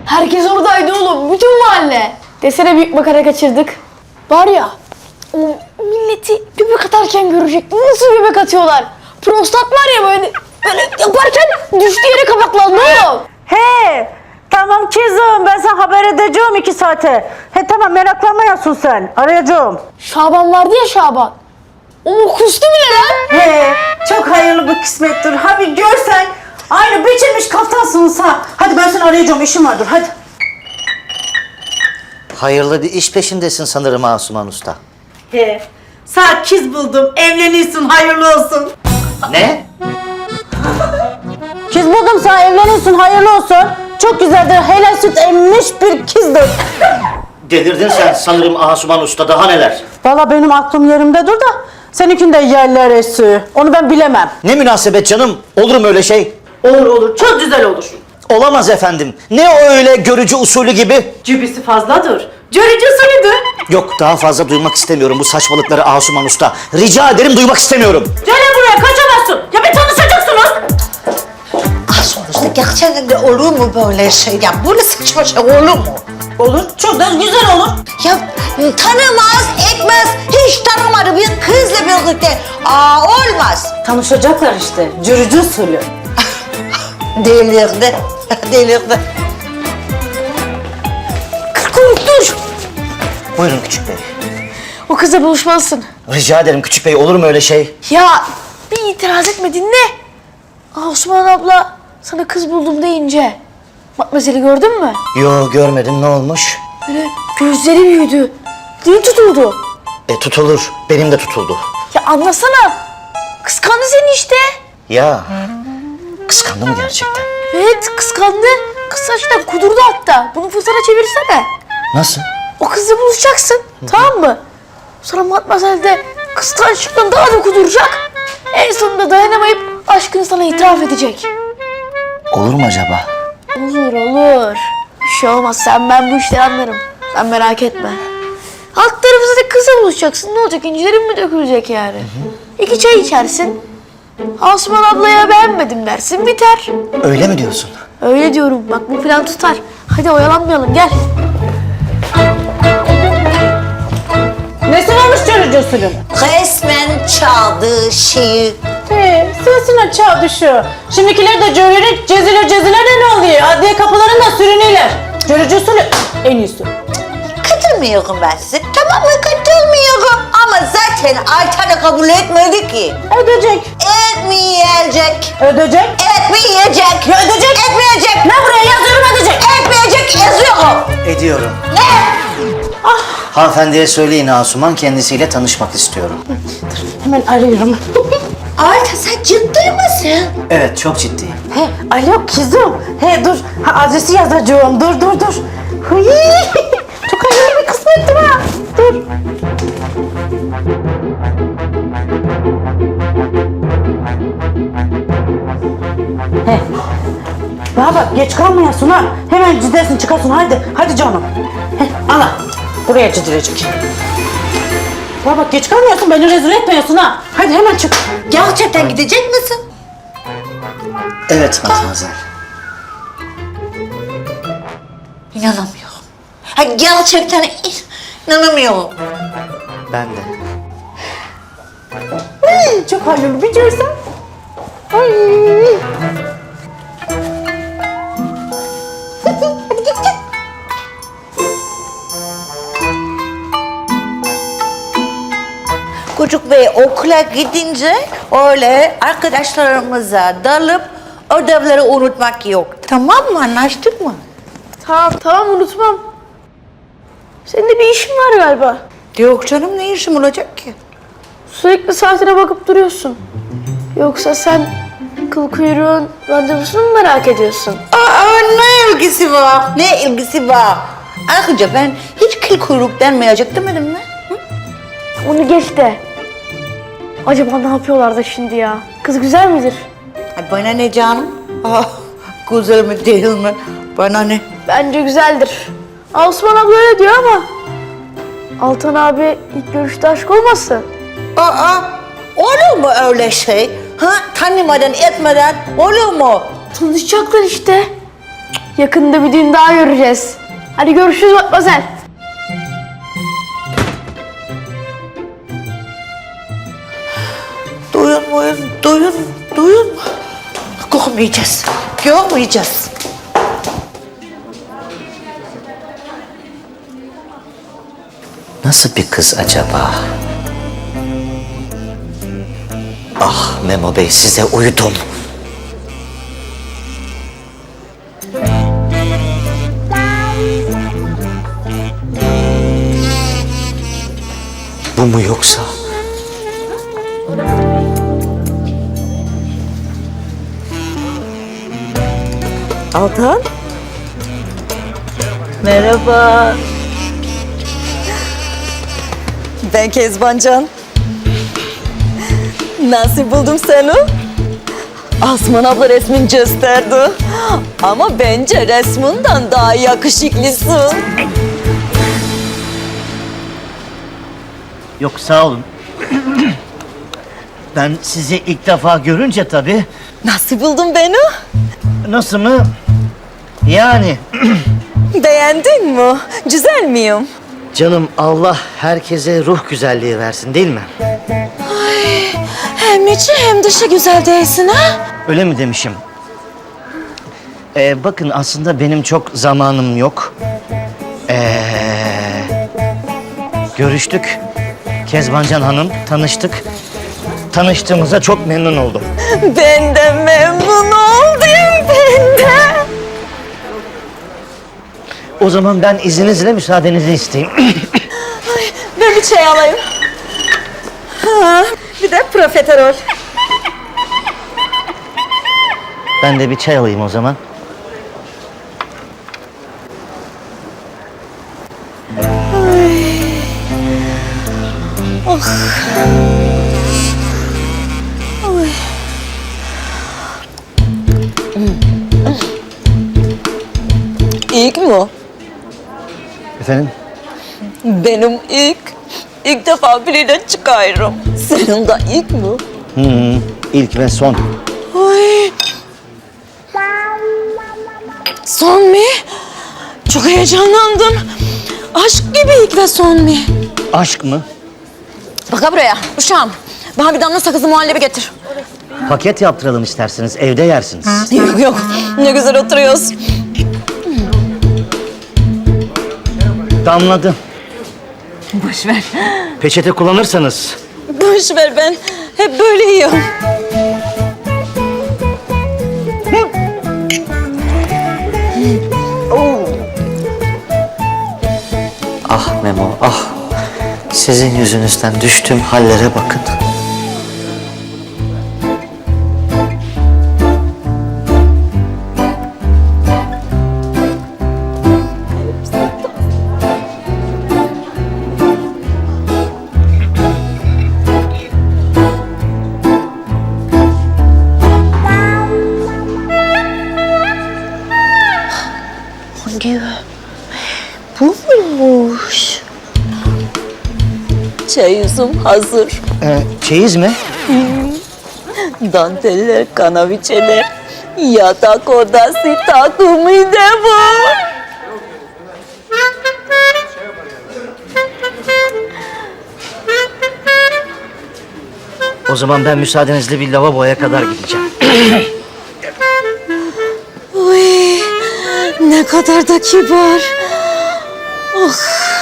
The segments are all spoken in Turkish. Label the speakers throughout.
Speaker 1: Herkes oradaydı oğlum. Bütün mahalle. Desene büyük makara kaçırdık. Var ya o milleti göbek atarken görecek. Nasıl göbek atıyorlar? Prostat var ya böyle yaparken düştüğü yere kapaklandı oğlum.
Speaker 2: He, tamam kızım, ben sana haber edeceğim 2 saate. He tamam, meraklanmayasın sen, arayacağım.
Speaker 1: Şaban vardı ya Şaban. O kustu bile lan.
Speaker 2: He, çok hayırlı bir kısmettir. Hadi görsen, aynı biçilmiş kaftansınız ha. Hadi ben seni arayacağım, işim vardır, hadi.
Speaker 3: Hayırlı bir iş peşindesin sanırım Asuman Usta.
Speaker 2: He, sana kız buldum, evlenirsin, hayırlı olsun.
Speaker 3: Ne?
Speaker 2: Kız buldum sana, evlenirsin, hayırlı olsun. Çok güzeldir, helal süt emmiş bir kızdır.
Speaker 3: Delirdin sen sanırım Asuman Usta, daha neler?
Speaker 2: Valla benim aklım yerimde dur da seninkinde yerler esi. Onu ben bilemem.
Speaker 3: Ne münasebet canım, olur mu öyle şey?
Speaker 2: Olur olur, çok güzel olur.
Speaker 3: Olamaz efendim. Ne o öyle görücü usulü gibi?
Speaker 2: Cübisi fazladır. Görücü usulüdür.
Speaker 3: Yok, daha fazla duymak istemiyorum bu saçmalıkları Asuman Usta. Rica ederim, duymak istemiyorum.
Speaker 2: Gel buraya, kaçamazsın. Ya bir tanışacaksınız.
Speaker 4: Sonuçta gerçekten de olur mu böyle şey? Ya böyle saçma şey olur mu?
Speaker 2: Olur, çok da güzel olur.
Speaker 4: Ya tanımaz, etmez, hiç tanımadı bir kızla birlikte. Olmaz.
Speaker 2: Tanışacaklar işte, görücü usulü.
Speaker 4: Delirdi, delirdi.
Speaker 1: Dur.
Speaker 3: Buyurun küçük bey.
Speaker 1: O kızla buluşmalısın.
Speaker 3: Rica ederim küçük bey, olur mu öyle şey?
Speaker 1: Ya bir itiraz etme dinle. Osman abla sana kız buldum deyince Matmazel'i gördün mü?
Speaker 3: Yo, görmedim, ne olmuş?
Speaker 1: Böyle gözleri büyüdü. Dili tutuldu.
Speaker 3: Tutulur, benim de tutuldu.
Speaker 1: Ya anlasana. Kıskandı seni işte.
Speaker 3: Ya, kıskandı mı gerçekten?
Speaker 1: Evet kıskandı. Kız saçtan kudurdu hatta. Bunu fırsata çevirsene.
Speaker 3: Nasıl?
Speaker 1: O kızla buluşacaksın. Tamam mı? Sonra Matmazel de kıskançlıktan daha da kuduracak. En sonunda dayanamayıp aşkını sana itiraf edecek.
Speaker 3: Olur mu acaba?
Speaker 1: Olur olur. Bir şey olmaz. Ben bu işleri anlarım. Sen merak etme. Alt tarafı zaten kızla buluşacaksın. Ne olacak? İncilerin mi dökülecek yani? 2 çay içersin. Asuman ablaya beğenmedim dersin. Biter.
Speaker 3: Öyle mi diyorsun?
Speaker 1: Öyle diyorum. Bak bu plan tutar. Hadi oyalanmayalım. Gel.
Speaker 2: Nesi olmuş görücü usulü?
Speaker 4: Resmen çaldığı şeyi.
Speaker 2: He, sesine çağ düşüyor. Şimdikiler de görerek ceziler de ne oluyor? Adliye kapılarında sürünüyorlar. Görücü usulü en iyisi.
Speaker 4: Katılmıyorum ben size. Tamam mı? Katılmıyorum. Ama zaten Ayten de kabul etmedi ki.
Speaker 2: Ödeyecek.
Speaker 4: Etmeyecek.
Speaker 2: Ödeyecek.
Speaker 4: Etmeyecek.
Speaker 2: Ya ödeyecek.
Speaker 4: Etmeyecek.
Speaker 2: Ne buraya yazıyorum, ödeyecek.
Speaker 4: Etmeyecek yazıyorum.
Speaker 3: Ediyorum.
Speaker 4: Ne?
Speaker 3: Hanımefendiye söyleyin, Asuman kendisiyle tanışmak istiyorum.
Speaker 2: Hemen arıyorum.
Speaker 4: Ayten sen ciddi misin?
Speaker 3: Evet, çok ciddiyim.
Speaker 2: He, alo kızım. He dur, adresi yazacağım. Dur. Hıy. Çok hayırlı bir kısmettir ha. Dur. He. Bana bak, geç kalmayasın ha. Hemen gidersin, çıkarsın. Hadi canım. He, ana. Buraya gidilecek. Bana bak, geç kalmıyorsun, beni rezil etmiyorsun ha. Hadi hemen çık.
Speaker 4: Gerçekten gidecek misin?
Speaker 3: Evet Matmazel.
Speaker 4: İnanamıyorum. Ha, gerçekten inanamıyorum.
Speaker 3: Ben de.
Speaker 2: Çok hayırlı bir görsen. Ay. Hadi git.
Speaker 4: Çocuk Bey okula gidince öyle arkadaşlarımıza dalıp ödevleri unutmak yok. Tamam mı? Anlaştık mı?
Speaker 1: Tamam unutmam. Senin de bir işin var galiba.
Speaker 4: Yok canım, ne işim olacak ki?
Speaker 1: Sürekli saatine bakıp duruyorsun. Yoksa sen kıl kuyruğun randevusunu mu merak ediyorsun?
Speaker 4: Ne ilgisi var? Ne ilgisi var? Ayrıca ben hiç kıl kuyruk denmeyecek demedim mi?
Speaker 1: Onu geç de. Acaba ne yapıyorlar da şimdi ya? Kız güzel midir?
Speaker 4: Ay bana ne canım? Güzel mi değil mi? Bana ne?
Speaker 1: Bence güzeldir. Osman abla öyle diyor ama Altan abi ilk görüşte aşk olmasın?
Speaker 4: Olur mu öyle şey? Ha? Tanımadan etmeden olur mu?
Speaker 1: Tanışacaklar işte. Yakında bir düğün daha göreceğiz. Hadi görüşürüz Matmazel.
Speaker 4: Duyun. Görmeyeceğiz.
Speaker 3: Nasıl bir kız acaba? Ah Memo Bey, size uydum. Bu mu yoksa?
Speaker 5: Altan. Merhaba. Ben Kezbancan. Nasıl buldum seni? Asman abla resmin gösterdi. Ama bence resminden daha yakışıklısın.
Speaker 3: Yok, sağ olun. Ben sizi ilk defa görünce tabii.
Speaker 5: Nasıl buldun beni?
Speaker 3: Nasıl mı? Yani
Speaker 5: Beğendin mi? Güzel miyim?
Speaker 3: canım, Allah herkese ruh güzelliği versin, değil mi?
Speaker 5: Hem içi hem dışı güzel değilsin ha?
Speaker 3: Öyle mi demişim? Bakın, aslında benim çok zamanım yok. Görüştük. Kezbancan Hanım, tanıştık. Tanıştığımıza çok memnun oldum.
Speaker 5: Ben de memnun oldum, ben de.
Speaker 3: O zaman ben izninizle müsaadenizi isteyeyim.
Speaker 5: Ben bir çay alayım. Ha, bir de profiterol.
Speaker 3: Ben de bir çay alayım o zaman.
Speaker 5: İlk mi?
Speaker 3: Efendim?
Speaker 5: Benim ilk defa biriyle çıkıyorum. Senin de ilk mi?
Speaker 3: İlk ve son.
Speaker 5: Ay. Son mu? Çok heyecanlandım. Aşk gibi ilk ve son mu?
Speaker 3: Aşk mı?
Speaker 5: Bak buraya uşağım. Bana bir damla sakızlı muhallebi getir.
Speaker 3: Paket yaptıralım isterseniz, evde yersiniz.
Speaker 5: Yok ne güzel oturuyoruz.
Speaker 3: Damladı.
Speaker 5: Boş ver.
Speaker 3: Peçete kullanırsanız.
Speaker 5: Boş ver, ben hep böyle yiyorum.
Speaker 3: Ah Memo, ah. Sizin yüzünüzden düştüğüm hallere bakın.
Speaker 5: Bu muymuş? Çayızım hazır.
Speaker 3: Çeyiz mi?
Speaker 5: Danteller, kanaviçeler, yatak odası takımı da var.
Speaker 3: O zaman ben müsaadenizle bir lavaboya kadar gideceğim.
Speaker 5: Uy, ne kadar da kibar. Oh.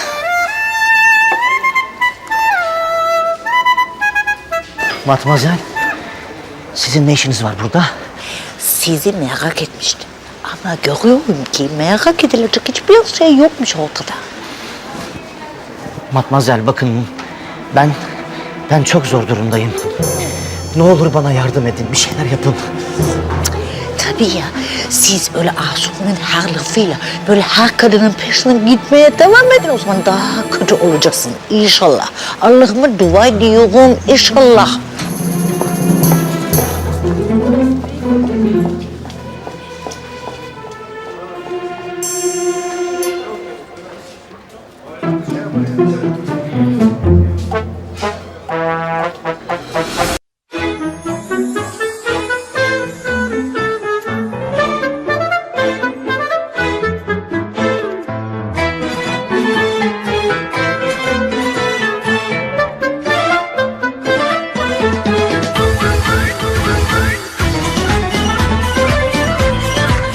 Speaker 3: Matmazel, sizin ne işiniz var burada?
Speaker 4: Sizi merak etmiştim. Ama görüyorum ki merak edilecek hiçbir şey yokmuş ortada.
Speaker 3: Matmazel, bakın, ben çok zor durumdayım. Ne olur bana yardım edin, bir şeyler yapın.
Speaker 4: Tabii ya, siz öyle Asuman'ın her lafıyla böyle her kadının peşinden gitmeye devam edin. O zaman daha kötü olacaksın inşallah. Allah'ıma dua ediyorum inşallah.